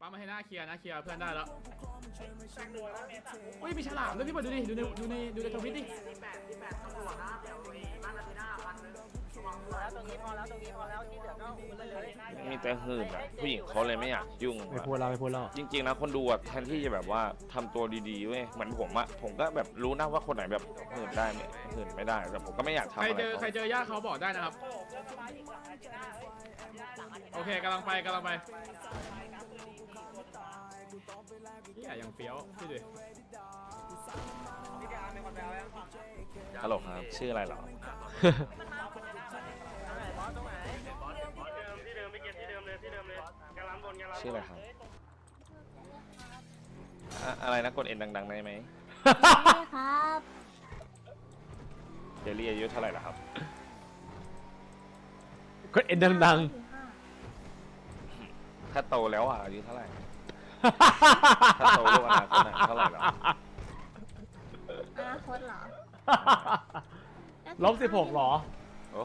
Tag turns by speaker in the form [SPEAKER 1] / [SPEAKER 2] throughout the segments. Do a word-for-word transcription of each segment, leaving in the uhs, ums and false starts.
[SPEAKER 1] ปั๊มมาให้หน้าเคลียร์นะเคลียร์เพื่อนได้แล้วเฮ้ยมีฉลามด้วยพี่เปิดดูดิดูในดูในดูในทวิตดิ
[SPEAKER 2] มีแต่หื่นอ่ะผู้หญิงเขาเลยไม่อยากยุ่ง
[SPEAKER 3] ไม่พูดเราไม่พูดเรา
[SPEAKER 2] จริงๆนะคนดูอ่ะแทนที่จะแบบว่าทำตัวดีๆเว้ยเหมือนผมอ่ะผมก็แบบรู้นะว่าคนไหนแบบหื่นได้ไม่หื่นไม่ได้แต่ผมก็ไม่อยากทำ
[SPEAKER 1] ใคร
[SPEAKER 2] อะไร
[SPEAKER 1] เจอใครเจอญาติเขาบอกได้นะครับโอเคกำลังไปกำลังไปนี่อย่างเฟี้ยวพี่ดิ
[SPEAKER 2] ฮัลโหลครับชื่ออะไรเหรอชื่ออะไรครับอะอะไรนะกดเอ็นดังๆได้ไหม
[SPEAKER 4] ได้ครับ
[SPEAKER 2] เจลลี่อายุเท่าไหร่ล่ะครับ
[SPEAKER 3] ก็เอ็นดัง
[SPEAKER 2] ถ้าโตแล้วอ่ะอายุเท่าไหร่ถ้าโตลูกอนาคตอะเท่าไหร่หรอ
[SPEAKER 4] อนาคตเหรอ
[SPEAKER 3] ๆลบสิบหกหรอ
[SPEAKER 2] โอ้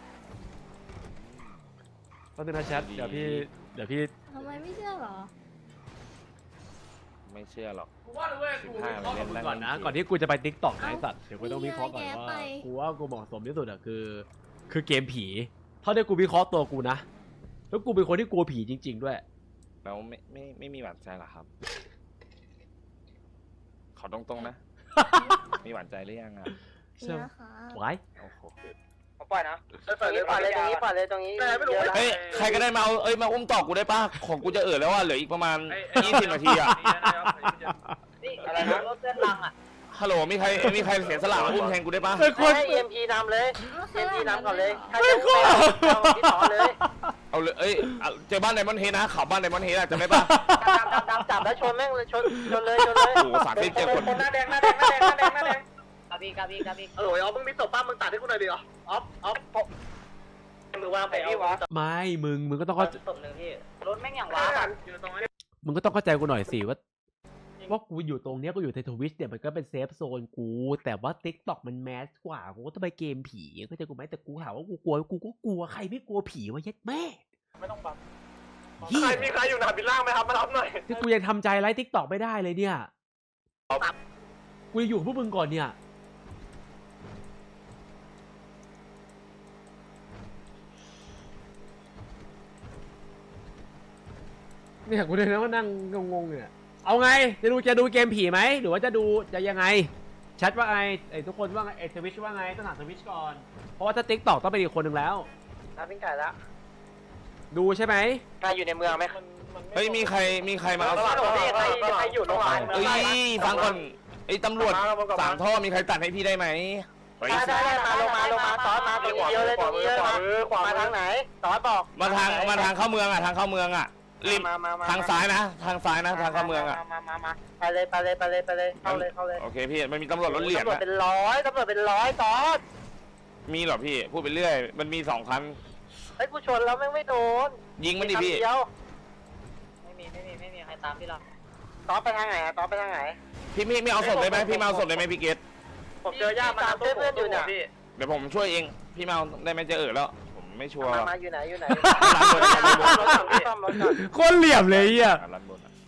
[SPEAKER 3] ก็เป็นนะแชทเดี๋ยวพี่เดี๋ยวพี่
[SPEAKER 4] ทำไมไม่เชื่อเหรอ
[SPEAKER 2] ไม่เชื่อหรอก
[SPEAKER 1] กูว่าเลยเว้ย
[SPEAKER 2] สิบ
[SPEAKER 1] กู
[SPEAKER 2] ห้า
[SPEAKER 1] เข้า
[SPEAKER 2] เล่น
[SPEAKER 1] มึง
[SPEAKER 2] นั่ง
[SPEAKER 3] ก่อนนะ
[SPEAKER 2] เล่
[SPEAKER 3] ก่อนที่กูจะไปติ๊กต็อกนะไอ้สัตว์เดี๋ยวกูต้องวิเคราะห์ก่อน
[SPEAKER 4] นี่ไง
[SPEAKER 3] ว่า
[SPEAKER 4] แกไป
[SPEAKER 3] กูว่ากูเหมาะสมที่สุดอะคือ คือเกมผีเท่าที่กูวิเคราะห์ตัวกูนะแล้วกูเป็นคนที่กลัวผีจริง ๆ ด้วย
[SPEAKER 2] แล้วไม่ไม่ไม่มีหวานใจเหรอครับ ขอตรงๆนะ มีหวานใจหรือยังอ่ะ
[SPEAKER 3] เชื่อ
[SPEAKER 4] นี่นะคะ
[SPEAKER 3] ไว้
[SPEAKER 2] โอ้โห
[SPEAKER 5] ปล่อยนะตรงนี้ปล่อยเลยตรงนี้ปล่อยเลยตรงนี้
[SPEAKER 2] เฮ้ยใครก็ได้มาเอาเอ้ยมาอุ้มต่อกูได้ป่ะของกูจะเอ่อแล้วอ่ะเหลืออีกประมาณยี่สิบนาทีอ่ะ
[SPEAKER 5] นี่อะไรนะรถเส้นลังอ่ะ
[SPEAKER 2] ฮัลโหลมีใครมีใครเสียสละมาอุ้มแทนกูได้ป่ะ
[SPEAKER 3] เป็นคน
[SPEAKER 5] ให้เอ็มพีนำเลยเอ็มพีนำก่อนเลยถ้า
[SPEAKER 3] ไม่
[SPEAKER 5] จะ
[SPEAKER 3] กลัว
[SPEAKER 5] เอาที่ต่อเลย
[SPEAKER 2] เอาเลยเอ้ยเจอบ้านไดมอนด์เฮดนะข่าวบ้านไดมอนด์เฮดอะจำได้ป่ะ
[SPEAKER 5] ดำดำดำจับแล้วชนแม่งเลยชนชนเลยชนเลย
[SPEAKER 2] โอ้โหสามสิบเจ็ดคน
[SPEAKER 5] หน้าแดงหน้าแดงหน้าแดงหน้าแดงหน้าแดงกาบีกาบีกาบีเออออฟมึงมีตบป้ามึงตัดให้กูหน่อยดิออฟออฟมือวางไปพี่วะ
[SPEAKER 3] ไม่มึงมึงก็ต้องเข้า
[SPEAKER 5] ตบหนึ่งพี่รถแม่งอย่างว้า
[SPEAKER 3] มึงก็ต้องเข้าใจกูหน่อยสิว่าว่ากูอยู่ตรงเนี้ยกูอยู่ในทวิชเนี่ยมันก็เป็นเซฟโซนกู แต่ว่าติ๊กต็อกมันแมสกว่ากูก็ต้องไปเกมผีเข้าใจกูไหมแต่กูหาว่ากูกลัวกูก็กลัวใครไม่กลัวผีวะเย็ดแม่
[SPEAKER 5] ไม่ต้องบัง
[SPEAKER 3] เหี้ย
[SPEAKER 5] ใครมีใครอยู่หนาบินล่างไหมครับมารับหน่อย
[SPEAKER 3] ที่กูยังทำใจไลฟ์ติ๊กต็อกไม่ได้เลยเนี่ยกูจะอยู่กับพวกมึงก่อนเนี่ยเนี่ยกูเลยนะว่านั่งงงๆเนี่ยเอาไงจะดูจะดูเกมผีไหมหรือว่าจะดูจะยังไงแชทว่าไงไอ้ทุกคนว่าไงไอ้ทวิชว่าไงต้องถามทวิชก่อนเพราะว่าถ้าติ๊กต็อกต้องเป็นอีกคนหนึ่งแล้ว
[SPEAKER 5] รับปิ้งไก่แล้ว
[SPEAKER 3] ดูใช่ไหม
[SPEAKER 5] ใครอยู่ในเมืองไหม
[SPEAKER 2] เฮ้ยมีใครมีใครมาเอา
[SPEAKER 5] ตลาดใครใครอยู่โรงพยาบาล
[SPEAKER 2] เอ้ยฟังก่อนไอ้ตำรวจสามท่อมีใครตัดให้พี่ได้ไหม
[SPEAKER 5] ได้ได้มาลงมาลงมาตอนมาตรงนี้เยอะเลยตรงนี้เยอะมามาทางไหนตอนบอก
[SPEAKER 2] มาทางมาทางเข้าเมืองอ่ะทางเข้าเมืองอ่ะริม
[SPEAKER 5] มามามา
[SPEAKER 2] ทางซ้ายนะทางซ้ายนะทางเข้าเมืองอ่ะ
[SPEAKER 5] มามามาไปเลยไปเลยไปเลยไปเลยเข้าเลยเข้าเลย
[SPEAKER 2] โอเคพี่มันมีตำรวจรถเหลี่ยม
[SPEAKER 5] ตำรวจ
[SPEAKER 2] อะ
[SPEAKER 5] เป็นร้อยตำรวจเป็นร้อยตอน
[SPEAKER 2] มีเหรอพี่พูดไปเรื่อยมันมีสองคัน
[SPEAKER 5] เฮ้ยกูชนแล้วแม่งไม่โดน
[SPEAKER 2] ยิงมันดิพี่
[SPEAKER 5] เดียวไม่มีไม่มีไม่มีใครตามพี่หรอกตอนไปทางไหนอะตอนไปทางไหน
[SPEAKER 2] พี่ไม่ไม่เอาศพได้ไหมพี่มาเอาศพได้ไหมพี่เกต
[SPEAKER 5] ผมเจอย่ามาเพื่อนอยู่เนี่ย
[SPEAKER 2] เดี๋ยวผมช่วยเองพี่มาเอาได้ไหมจะเออแล้วผมไม่ชัวร์
[SPEAKER 5] มามาอยู่ไหนอยู่ไหน
[SPEAKER 2] ร้านบนร้านบน
[SPEAKER 5] รถซ่อมรถก่อน
[SPEAKER 3] โคตรเหลี่ยมเลยอ่ะ
[SPEAKER 2] ร้านบนอะ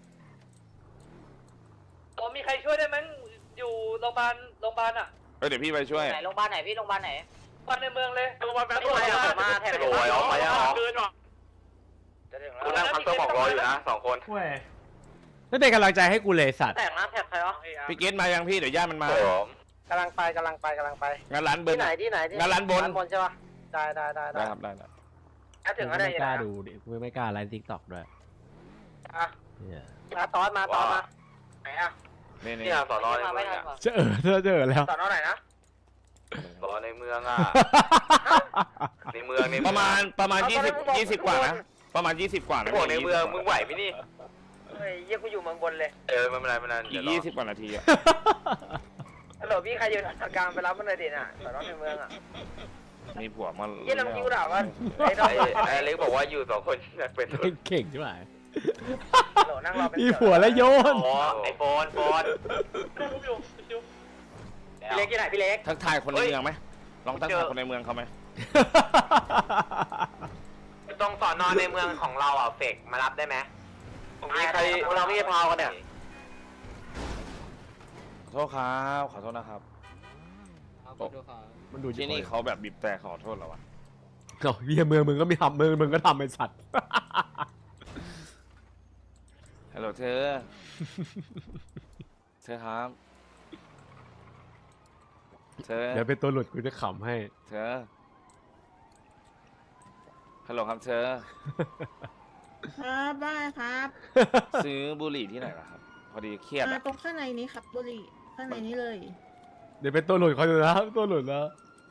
[SPEAKER 6] ผมมีใครช่วยได้ไหมอยู่โรงพยาบาลโรงพยาบาลอ่ะ
[SPEAKER 2] เออเดี๋ยวพี่ไปช่วย
[SPEAKER 5] ไหนโรงพยาบาลไหนพี่โรงพยาบาลไหน
[SPEAKER 6] บ้านในเมืองเลยโรงพยาบาลแป๊บ
[SPEAKER 5] ไม่ไหวอะมาแถบ
[SPEAKER 6] โอ้ยออกไปอ่ะเกินว่ะ
[SPEAKER 5] จะถึง
[SPEAKER 6] กู
[SPEAKER 5] แล้ว
[SPEAKER 6] นั่งพักตัวบอกรออยู่นะสองคน
[SPEAKER 3] เว้ยไม่เป็นกำลังใจให้กูเลยสัตว์
[SPEAKER 5] แต่งนะแถบใครวะ
[SPEAKER 2] พี่เกตมายังพี่เดี๋ยวญาติมันมา
[SPEAKER 5] กำลังไปกำลังไปกำลังไป
[SPEAKER 2] งานร้านเบิร์
[SPEAKER 5] ที่ไหนที่ไหนที่
[SPEAKER 2] งานร้านบน
[SPEAKER 5] ร้านบนใช่ปะได้ได้ได้
[SPEAKER 2] ได้ครับได้ได้
[SPEAKER 5] ถ้าถึงก็ได้
[SPEAKER 3] ไม่
[SPEAKER 5] ยัง
[SPEAKER 3] ก
[SPEAKER 5] ไง
[SPEAKER 3] ล้าดูดิกูไม่กล้าไลฟ์ติ๊กต็อกด้วย
[SPEAKER 5] อ่ะ
[SPEAKER 3] เนี่ย
[SPEAKER 5] มาตอนมาตอนมาไหนอ่ะ
[SPEAKER 2] นี่นี่
[SPEAKER 6] เนี่ยสอนอใน
[SPEAKER 5] มา
[SPEAKER 6] เมื
[SPEAKER 5] ไม่
[SPEAKER 6] อง
[SPEAKER 5] ทัน
[SPEAKER 6] อ่ะ
[SPEAKER 5] ว่ะ
[SPEAKER 3] เจอเจอเจอแล้ว
[SPEAKER 5] สอนอไหนนะ
[SPEAKER 6] สอนอในเมืองอ่ะในเมืองใน
[SPEAKER 2] ประมาณประมาณยี่สิบยี่สิบกว่านะประมาณยี่สิบกว่านะ
[SPEAKER 6] พวกในเมืองมึงไหวไหมนี่
[SPEAKER 5] เฮ้ยเยี่ยกูอยู่เมืองบนเลย
[SPEAKER 6] เออไม่เป็นไรไม่เป็นไร
[SPEAKER 2] อีกยี่สิบกว่านาทีอะ
[SPEAKER 5] ฮัลโหลพี่ใครอยู่ทางกลางไปรับมันเลยดิน่ะสอนอในเมืองอ่ะ
[SPEAKER 2] มีผัวมา
[SPEAKER 5] เยี่ยน้ำคิวด่าว่าไอ้ดอ
[SPEAKER 6] ไอ้ไอ้เล็กบอกว่าอยู่สองคนอยากเป็น
[SPEAKER 3] เก่งใช่ไหม
[SPEAKER 5] ฮัลโหลนั่งรอเป็น
[SPEAKER 3] มีผัวแล้วโยน
[SPEAKER 6] อ๋อไอโฟนโฟน
[SPEAKER 5] พี่เล็กที่ไหนพี่เล็ก
[SPEAKER 2] ทักทายคนในเมืองไหมลองทักทายคนในเมืองเขาไหม
[SPEAKER 6] ตรงสอนอในเมืองของเราอ่ะเฟกมารับได้ไหมมีใคร
[SPEAKER 5] เราไม่ได้พาวกันเนี่ย
[SPEAKER 2] ขอโทษครับขอโทษนะครับ
[SPEAKER 3] มันดู
[SPEAKER 2] ที่นี่เขาแบบบีบแต่ขอโทษเราอะ
[SPEAKER 3] เขาเฮียเมืองมึงก็ไม่ทำเมืองมึงก็ทำไอ้สัตว์
[SPEAKER 2] ฮัลโหลเธอ เธอครับ เธอ
[SPEAKER 3] เดี๋ยวเป็นตัวหลุดกูจะขำให้
[SPEAKER 2] เธอ ฮัลโหลครับเธอ
[SPEAKER 7] ครับได้ครับ
[SPEAKER 2] ซื้อบุหรี่ที่ไหนล่ะครับ พอดีเครียด
[SPEAKER 7] อ่า
[SPEAKER 2] อะ
[SPEAKER 7] ตรงข้างในนี้ครับบุหรี่ข้างในนี้เลย
[SPEAKER 3] เดี๋ยวเป็นตัวหลุดเขาอยู่นะตัวหลุดแล้ว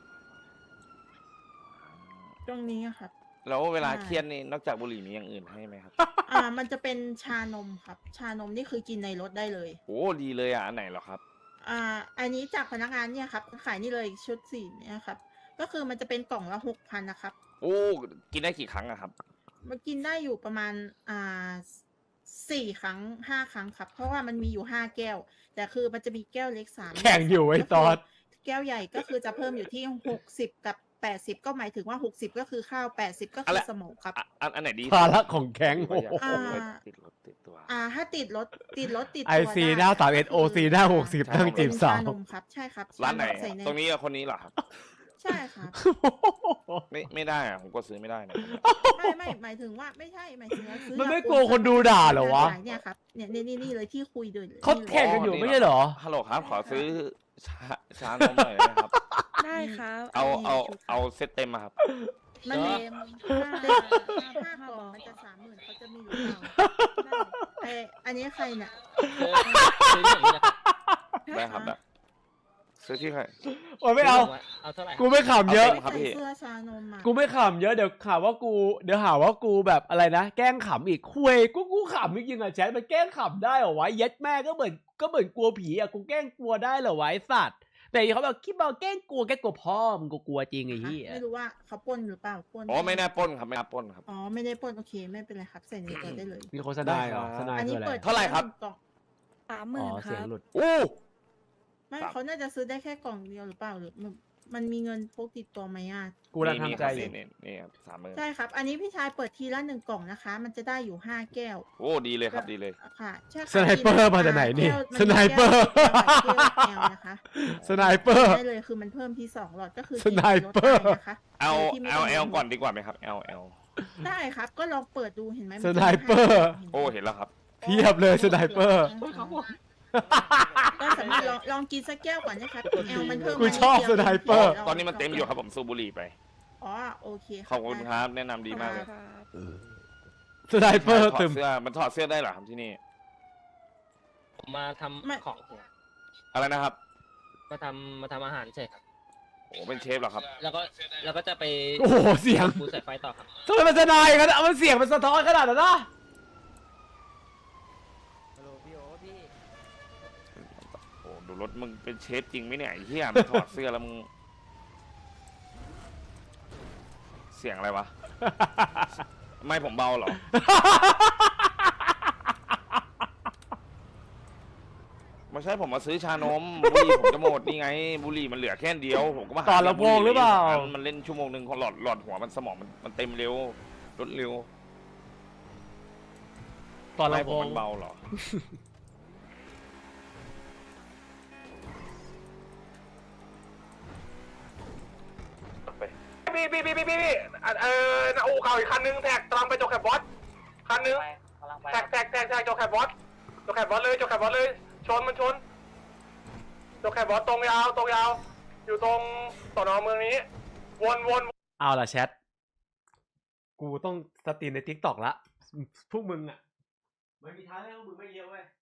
[SPEAKER 7] ตรงนี้ครับ
[SPEAKER 2] แล้วเวลา
[SPEAKER 7] ใช่
[SPEAKER 2] เครียดนี่นอกจากบุหรี่มีอย่างอื่นให้ไหมครับ
[SPEAKER 7] อ่า มันจะเป็นชานมครับ ชานมนี่คือกินในรถได้เลย
[SPEAKER 2] โอ้ดีเลยอ่ะอันไหนเหรอครับ
[SPEAKER 7] อ่า อันนี้จากพนักงานเนี่ยครับขายนี่เลยชุดสีเนี่ยครับ ก็คือมันจะเป็นกล่องละหกพันนะครับ
[SPEAKER 2] โอ้กินได้กี่ครั้งอะครับ
[SPEAKER 7] มันกินได้อยู่ประมาณอ่าสี่ครั้งห้าครั้งครับ เพราะว่ามันมีอยู่ห้าแก้ว แต่คือมันจะมีแก้วเล็กสาม
[SPEAKER 3] แข่งอยู่ไอ้ตอด
[SPEAKER 7] แก้วใหญ่ก็คือจะเพิ่มอยู่ที่หกสิบกับแปดสิบก็หมายถึงว่าหกสิบก็คือข้าวแปดสิบก็คือสมองครับ
[SPEAKER 2] อ่ะอันอันไหนดี
[SPEAKER 3] ภาระของแก๊ง
[SPEAKER 2] โอ้
[SPEAKER 3] โอ้
[SPEAKER 2] โห
[SPEAKER 3] โห
[SPEAKER 2] ติดรถติดตัว
[SPEAKER 7] อ่า ถ้าติดรถติดรถติด
[SPEAKER 3] ไอ
[SPEAKER 7] ตัว
[SPEAKER 3] ซี
[SPEAKER 7] ได้
[SPEAKER 3] หน้าสามเอ็ดโอซีหน้าหกสิบ
[SPEAKER 2] ใช่
[SPEAKER 3] ตั้งจีบสาว
[SPEAKER 7] เป็นชานมครับ ใช่ครับ
[SPEAKER 2] ร้านไหน
[SPEAKER 7] ชมใส่ใ
[SPEAKER 2] ตรงนี้กับคนนี้เหรอครับ
[SPEAKER 7] ใช่ครับ
[SPEAKER 2] ไม่ไม่ได้อะผมก็ซื้อไม่ได้นะ
[SPEAKER 7] ไม่ไม่หมายถึงว่าไม่ใช่หมายถึงว่าซื้อ
[SPEAKER 3] มันไม่
[SPEAKER 7] จาก
[SPEAKER 3] กลัวคนดูด่าเหรอวะ
[SPEAKER 7] ขายเนี่ยครับเนี่ยนี่นี่นี่เลยที่คุยเดิน
[SPEAKER 3] เขาแข่งกันอยู่ไม่ใช่เหรอ
[SPEAKER 2] ฮัลโหลครับ ขอซื้อชาชานมหน่อยได้ไหมครับ
[SPEAKER 7] ได้ครับ
[SPEAKER 2] เอาเอา
[SPEAKER 7] ชุดครับ
[SPEAKER 2] เอาเซตเต็มมาครับ
[SPEAKER 7] มัน
[SPEAKER 4] เ
[SPEAKER 7] มี
[SPEAKER 4] ม
[SPEAKER 7] เด็กห้ากล่องมันจะสามหมื่นเขาจะมีอยู่เปล่าไออันนี้ใครเนี่ย
[SPEAKER 2] ได้ครับได้ซื้อที่ใคร
[SPEAKER 3] โอ้ยไม่เอา
[SPEAKER 8] เอาเท่าไหร่
[SPEAKER 3] กูไม่ขำเยอะ
[SPEAKER 2] เอาเต็ม ครับพี่
[SPEAKER 7] ใส่เสื้อชานมอ่ะ
[SPEAKER 3] กูไม่ขำเยอะเดี๋ยวข่าวว่ากูเดี๋ยวหาว่ากูแบบอะไรนะแกล้งขำอีกคุยกูกูขำจริงๆอะแชทมันแกล้งขำได้เหรอวะเย็ดแม่ก็เหมือนก็เหมือนกลัวผีอะกูแกล้งกลัวได้เหรอวะไอ้สัตว์แต่เขาแบบคิดว่าแกล้งกลัวแกล้งกลัวพ่อมึงกูกลัวจริงไอ้เหี้ย
[SPEAKER 7] ไม่รู้ว่าเขาปล้นหรือเปล่าปล้น
[SPEAKER 2] อ๋อไม่น่าปล้นครับไม่น่าปล้นครับ
[SPEAKER 7] อ๋อไม่ได้ปล้นโอเคไม่เป็นไรครับใส่ในตัวได้เลย
[SPEAKER 3] มีโฆษณาเหรอ
[SPEAKER 2] ได้ครับ
[SPEAKER 3] โฆษณา
[SPEAKER 7] อัน
[SPEAKER 3] คื
[SPEAKER 7] นี้
[SPEAKER 3] ออะไร
[SPEAKER 7] เปิด
[SPEAKER 2] เท่าไหร่ครับ
[SPEAKER 7] กล่อง
[SPEAKER 4] สามห
[SPEAKER 3] อ๋
[SPEAKER 4] มื่น
[SPEAKER 3] อ
[SPEAKER 4] ค
[SPEAKER 3] เสีย
[SPEAKER 4] รั
[SPEAKER 3] ง
[SPEAKER 4] บ
[SPEAKER 3] หลุด
[SPEAKER 2] อู้
[SPEAKER 7] ไม่
[SPEAKER 2] ครับ
[SPEAKER 7] เขาน่าจะซื้อได้แค่กล่องเดียวหรือเปล่าหรือมันมันมีเงินพกติดตัวไหมอ่ะ
[SPEAKER 3] กูกำลังทำใจอยู่
[SPEAKER 2] นี่นี่ครับสามหมื่น
[SPEAKER 7] ใช่ครับ อันนี้พี่ชายเปิดทีละหนึ่งกล่องนะคะ มันจะได้อยู่ห้าแก้ว
[SPEAKER 2] โอ้ดีเลยครับดีเลย
[SPEAKER 7] ค่ะใช่ค่ะ
[SPEAKER 3] สไนเปอร์มาจากไหนนี่
[SPEAKER 7] แก้วมั
[SPEAKER 3] สไนเปอร์
[SPEAKER 7] แก้วแก้วแก้วนะคะ
[SPEAKER 3] สไนเปอร์
[SPEAKER 7] ได้เลยคือมันเพิ่มที่สองหลอดก็คือ
[SPEAKER 3] สไนเปอร์
[SPEAKER 7] ลดได้นะคะ
[SPEAKER 2] เอา
[SPEAKER 7] โดยที่ไม่
[SPEAKER 2] เอา
[SPEAKER 7] ต้ง
[SPEAKER 2] เอลก่อนดีกว่าไหมครับเอลเอล
[SPEAKER 7] ได้ครับ ก็ลองเปิดดูเห็นไหม
[SPEAKER 3] สไนเปอร์
[SPEAKER 2] โอ้เห็นแล้วครับ
[SPEAKER 3] เพียบเลยสไนเปอร์
[SPEAKER 7] ก็สามารถลองลองกินสักแก้วก่อนนะครับแอลมันเพิ่ม
[SPEAKER 3] กูชอบ
[SPEAKER 7] าดดียว
[SPEAKER 3] สไนเปอร์
[SPEAKER 2] ตอนนี้มันเต็มอยู่ครับผมสูบบุหรี่ไป
[SPEAKER 7] อ๋อโอเค
[SPEAKER 2] ขอบคุณครับ แนะนำดีมากเลย
[SPEAKER 3] สไนเปอร์
[SPEAKER 2] ถอ
[SPEAKER 3] ตึ
[SPEAKER 2] ด
[SPEAKER 3] ม
[SPEAKER 2] เสื้อมันถอดเสื้อได้เหรอครับที่นี่
[SPEAKER 8] ผมมาทำของ
[SPEAKER 2] อะไรนะครับ
[SPEAKER 8] มาทำมาทำอาหารเฉยครับ
[SPEAKER 2] โอ้เป็นเชฟเหรอครับ
[SPEAKER 8] แล้วก็แล้วก็จะไป
[SPEAKER 3] โอ้โหเสียง
[SPEAKER 8] ปูสายไฟต่อครับ
[SPEAKER 3] ทำไมมันสนายกันอะมันเสียงมันสะท้อนขนาดนั้นนะ
[SPEAKER 2] โอ้ดูรถมึงเป็นเชฟจริงไหมเนี่ยไอ้เหี้ยมันถอดเสื้อแล้วมึง เสียงอะไรวะ ไม่ผมเบาเหรอ ไม่ใช่ผมมาซื้อชานม บุหรี่ผมจะหมดนี่ไง บุหรี่มันเหลือแค่เดียวผมก็มาหา
[SPEAKER 3] ต่อลำโพงหรือเปล่า
[SPEAKER 2] มันเล่นชั่วโมงหนึ่งหลอดหลอดหัวมันสมองมันมันเต็มเร็วรถเร็ว
[SPEAKER 3] ตอน
[SPEAKER 2] ไม่
[SPEAKER 3] ลำ
[SPEAKER 2] ผ
[SPEAKER 3] โพ
[SPEAKER 2] ม
[SPEAKER 3] ง
[SPEAKER 2] มันเบาเหรอ
[SPEAKER 5] พี่พี่พี่พี่พี่เออนาอูเข่าอีกคันนึงแท็กกำลังไปโจแคบบอสคันนึงแท็กแท็กแท็กแท็กโจแคบบอสโจแคบบอสเลยโจแคบบอสเลยชนมันชนโจแคบบอสตรงยาวตรงยาว อยู่ตรงสนเมืองนี้ วนวน
[SPEAKER 3] เอาล่ะแชท กูต้องสตรีมในทิกตอกละ พวกมึงอ่ะ มันมีทางให้พวกมึงไม่เยอะเว้ย